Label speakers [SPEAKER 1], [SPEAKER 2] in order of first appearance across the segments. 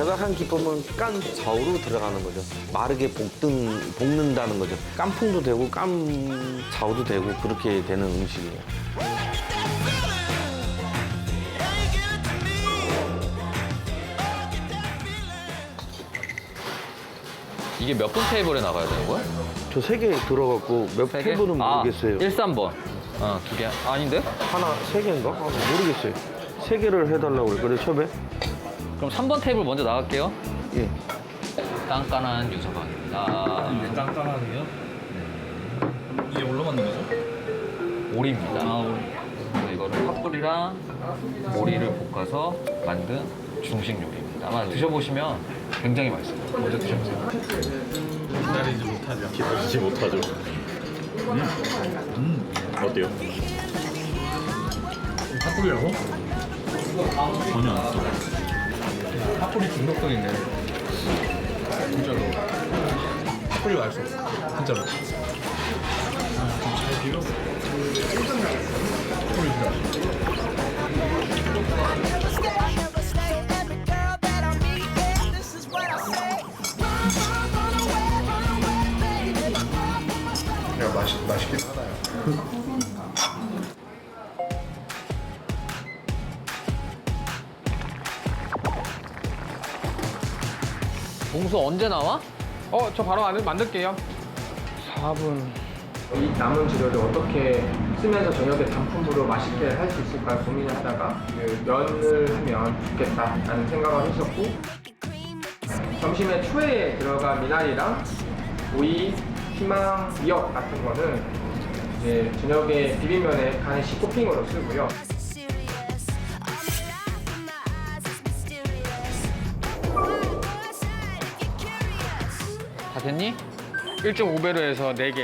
[SPEAKER 1] 제작한 기법은 깐 좌우로 들어가는 거죠. 마르게 볶는다는 거죠. 깐풍도 되고 깐 좌우도 되고 그렇게 되는 음식이에요.
[SPEAKER 2] 이게 몇 분 테이블에 나가야 되는 거야?
[SPEAKER 1] 저 3개 들어갔고 몇
[SPEAKER 2] 세 개?
[SPEAKER 1] 테이블은 모르겠어요.
[SPEAKER 2] 1, 3번. 2개. 아닌데?
[SPEAKER 1] 하나 3개인가? 모르겠어요. 3개를 해달라고 그래 처음에.
[SPEAKER 2] 그럼 3번 테이블 먼저 나갈게요.
[SPEAKER 1] 예.
[SPEAKER 2] 깐깐한 유서방입니다.
[SPEAKER 3] 깐깐하네요. 이게 뭘로 만든 거죠?
[SPEAKER 2] 오리입니다.
[SPEAKER 3] 오리.
[SPEAKER 2] 그래서 이거를 팥불이랑 오리를 볶아서 만든 중식 요리입니다. 아마 드셔보시면 굉장히 맛있어요. 먼저 드셔보세요.
[SPEAKER 3] 기다리지 못하죠. 기다리지 못하죠. 어때요? 팥불이라고? 전혀 안 써. 팥불이 중독성 있네. 진짜로. 팥불이 맛있어. 진짜로. 잘 비벼. 팥불이 진짜 맛있어.
[SPEAKER 4] 맛있긴 하나요?
[SPEAKER 2] 봉수 언제 나와?
[SPEAKER 5] 저 바로 만들게요.
[SPEAKER 1] 4분.
[SPEAKER 5] 이 남은 재료를 어떻게 쓰면서 저녁에 단품으로 맛있게 할 수 있을까 고민하다가 그 면을 하면 좋겠다라는 생각을 했었고, 점심에 초에 들어간 미나리랑 오이, 피망, 미역 같은 거는 이제 저녁에 비빔면에 간식 토핑으로 쓰고요.
[SPEAKER 2] 다 됐니?
[SPEAKER 5] 1.5배로 해서 4개.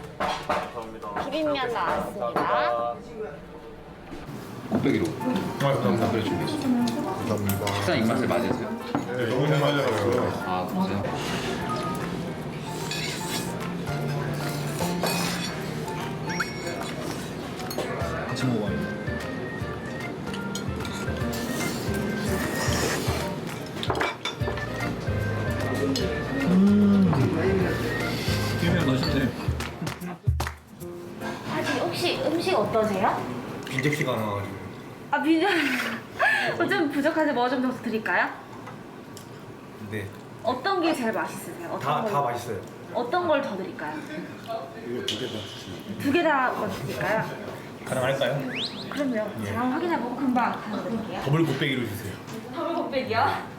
[SPEAKER 6] 비빔면 나왔습니다.
[SPEAKER 2] 곱빼기로.
[SPEAKER 3] 감사합니다. 그래 준비했어.
[SPEAKER 4] 감사합니다.
[SPEAKER 2] 식사 입맛에 맞으세요?
[SPEAKER 4] 네, 너무 잘 맞아요.
[SPEAKER 2] 아, 그러세요?
[SPEAKER 3] 같이 먹어봐요. 비빔면 맛있네.
[SPEAKER 6] 아직 혹시 음식 어떠세요?
[SPEAKER 3] 인젝시가 나와가지고.
[SPEAKER 6] 아 비빔면 좀 부족한데 뭐 좀 더 드릴까요?
[SPEAKER 3] 네.
[SPEAKER 6] 어떤 게 제일 맛있으세요? 어떤 걸,
[SPEAKER 3] 맛있어요.
[SPEAKER 6] 어떤 걸 더 드릴까요?
[SPEAKER 4] 이거 2개 다 주시면.
[SPEAKER 6] 2개 다 먼저 드릴까요?
[SPEAKER 3] 가능할까요?
[SPEAKER 6] 그럼요. 제가 확인해보고 금방 드릴게요.
[SPEAKER 3] 더블 곱빼기로 주세요.
[SPEAKER 6] 더블 곱빼기요?